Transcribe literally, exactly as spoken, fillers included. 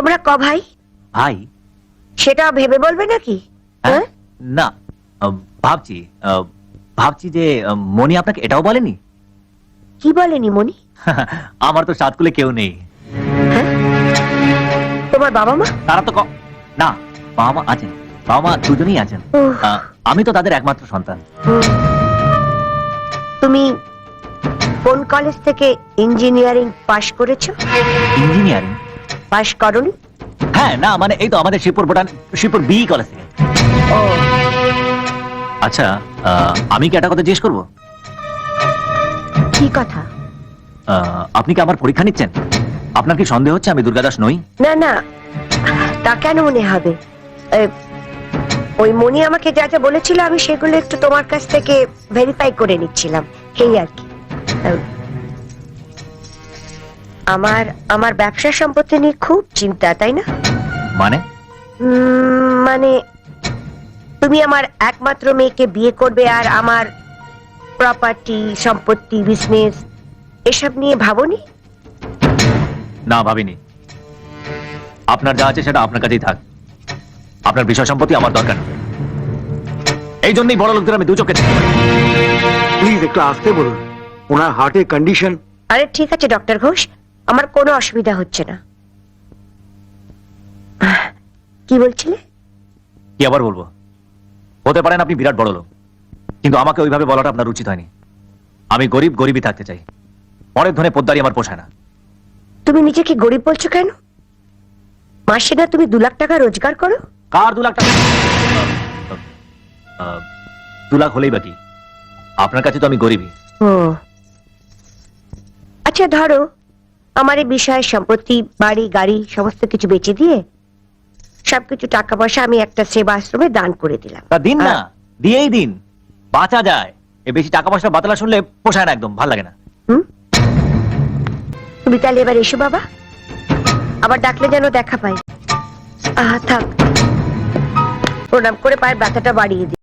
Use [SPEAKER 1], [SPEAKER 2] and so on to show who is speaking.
[SPEAKER 1] তোমরা ক ভাই?
[SPEAKER 2] ভাই?
[SPEAKER 1] সেটা ভেবে বলবে নাকি?
[SPEAKER 2] হ্যাঁ? না, আহ, ভাবছি আহ, ভাবছি যে আহ, মনি আপনাকে এটাও বলেনি?
[SPEAKER 1] কি বলেনি মনি?
[SPEAKER 2] আমার তো সাত কুলে কেউ নেই।
[SPEAKER 1] হ্যাঁ? তোমার বাবা মা?
[SPEAKER 2] তারা তো ক- না, বাবা মা আছেন, বাবা মা দুজনেই আছেন।
[SPEAKER 1] উহ,
[SPEAKER 2] আহ, আমি তো তাদের একমাত্র সন্তান।
[SPEAKER 1] হুম। তুমি কোন কলেজ থেকে ইঞ্জিনিয়ারিং পাশ করেছো?
[SPEAKER 2] ইঞ্জিনিয়ারিং?
[SPEAKER 1] পাশ করনি?
[SPEAKER 2] হ্যাঁ, না মানে এই তো আমাদের শিবপুর ভুটান শিবপুর বি কলেজ থেকে।
[SPEAKER 1] ও,
[SPEAKER 2] আচ্ছা, আহ, আমি কি একটা কথা জিজ্ঞেস করবো?
[SPEAKER 1] কি কথা?
[SPEAKER 2] আহ, আপনি কি আমার পরীক্ষা নিচ্ছেন? আপনার কি সন্দেহ হচ্ছে আমি দুর্গাদাস নই?
[SPEAKER 1] না না, তা কেন মনে হবে? এ, ওই মনি আমাকে যা যা বলেছিল আমি সেগুলো একটু তোমার কাছ থেকে ভেরিফাই করে নিচ্ছিলাম, এই আর কি। এ, আমার আমার ব্যবসা সম্পত্তি নিয়ে খুব চিন্তা, তাই না?
[SPEAKER 2] মানে?
[SPEAKER 1] উম, মানে তুমি আমার একমাত্র মেয়েকে বিয়ে করবে আর আমার প্রপার্টি, সম্পত্তি, বিজনেস এসব নিয়ে ভাবোনি?
[SPEAKER 2] না, ভাবিনি। আপনার যা আছে সেটা আপনার কাছেই থাক। আপনার বিষয় সম্পত্তি আমার দরকার নেই। এই জন্যই বড় লোকদের আমি দু চোখে দেখি।
[SPEAKER 3] প্লিজ একটু আসতে বলুন, ওনার হার্টের কন্ডিশন।
[SPEAKER 1] আরে ঠিক আছে ডক্টর ঘোষ, আমার কোনো অসুবিধা হচ্ছে না। আহ, কি বলছিলে?
[SPEAKER 2] কি আবার বলবো? হতে পারেন আপনি বিরাট বড় লোক, কিন্তু আমাকে ওইভাবে বলাটা আপনার উচিত হয়নি। আমি গরিব গরিবই থাকতে চাই। অনেক ধনে পোদ্দারি আমার পোষায় না।
[SPEAKER 1] তুমি নিজেকে গরিব বলছো কেন? মাসে না তুমি দু লাখ টাকা রোজগার করো?
[SPEAKER 2] কার দু লাখ টাকা? আহ, দু লাখ হলেই বাকি। আপনার কাছে তো আমি গরিবই।
[SPEAKER 1] ও আচ্ছা, ধরো আমার এই বিষয়ে সম্পত্তি, বাড়ি, গাড়ি সমস্ত কিছু বেচে দিয়ে সবকিছু টাকা পয়সা আমি একটা সেবা আশ্রমে দান করে দিলাম।
[SPEAKER 2] তা দিন না,
[SPEAKER 1] আহ,
[SPEAKER 2] দিয়েই দিন, বাঁচা যায়। এই বেশি টাকা পয়সা বাতলা শুনলে পোষায় না, একদম ভাল লাগে না।
[SPEAKER 1] হুম? তুমি তাহলে এবার এসো বাবা, আবার ডাকলে যেন দেখা পাই। আহা থাক, প্রণাম করে পায়ের ব্যথাটা বাড়িয়ে দিই।